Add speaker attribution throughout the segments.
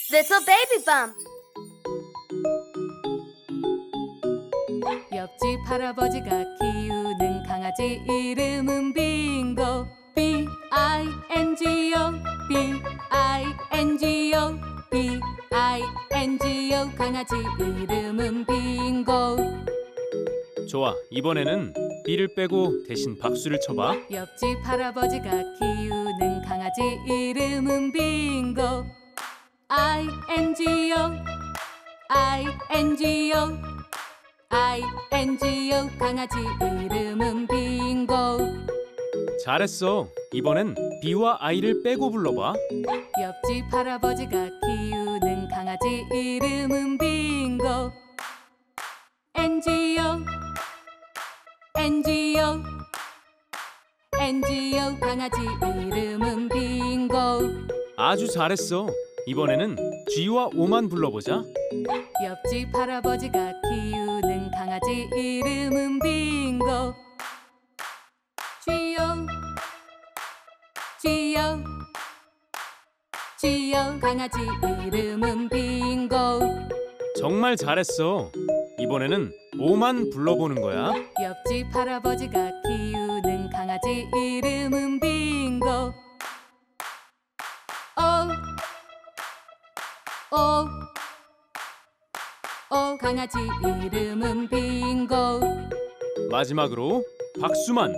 Speaker 1: Little baby bump.
Speaker 2: 옆집 할아버지가 키우는 강아지 이름은 빙고. B-I-N-G-O, B-I-N-G-O, B-I-N-G-O. 강아지 이름은 빙고.
Speaker 3: 좋아, 이번에는 B를 빼고 대신 박수를 쳐봐.
Speaker 2: 옆집 할아버지가 키우는 강아지 이름은 빙고. I-N-G-O, I-N-G-O, I-N-G-O. 강아지 이름은 빙고.
Speaker 3: 잘했어. 이번엔 B와 I를 빼고 불러봐.
Speaker 2: 옆집 할아버지가 키우는 강아지 이름은 빙고. N-G-O, N-G-O, N-G-O. 강아지 이름은 빙고.
Speaker 3: 아주 잘했어. 이번에는 G와 O만 불러보자.
Speaker 2: 옆집 할아버지가 키우는 강아지 이름은 빙고. G-O, G-O, G-O. 강아지 이름은 빙고.
Speaker 3: 정말 잘했어. 이번에는 O만 불러보는 거야.
Speaker 2: 옆집 할아버지가 키우는 강아지 이름은 빙고. O, O, O. 강아지 이름은 빙고.
Speaker 3: 마지막으로 박수만.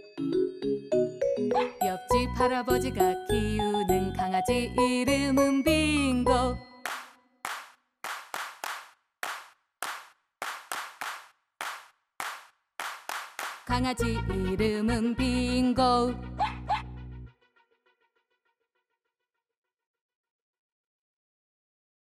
Speaker 2: 옆집 할아버지가 키우는 강아지 이름은 빙고. 강아지 이름은 빙고.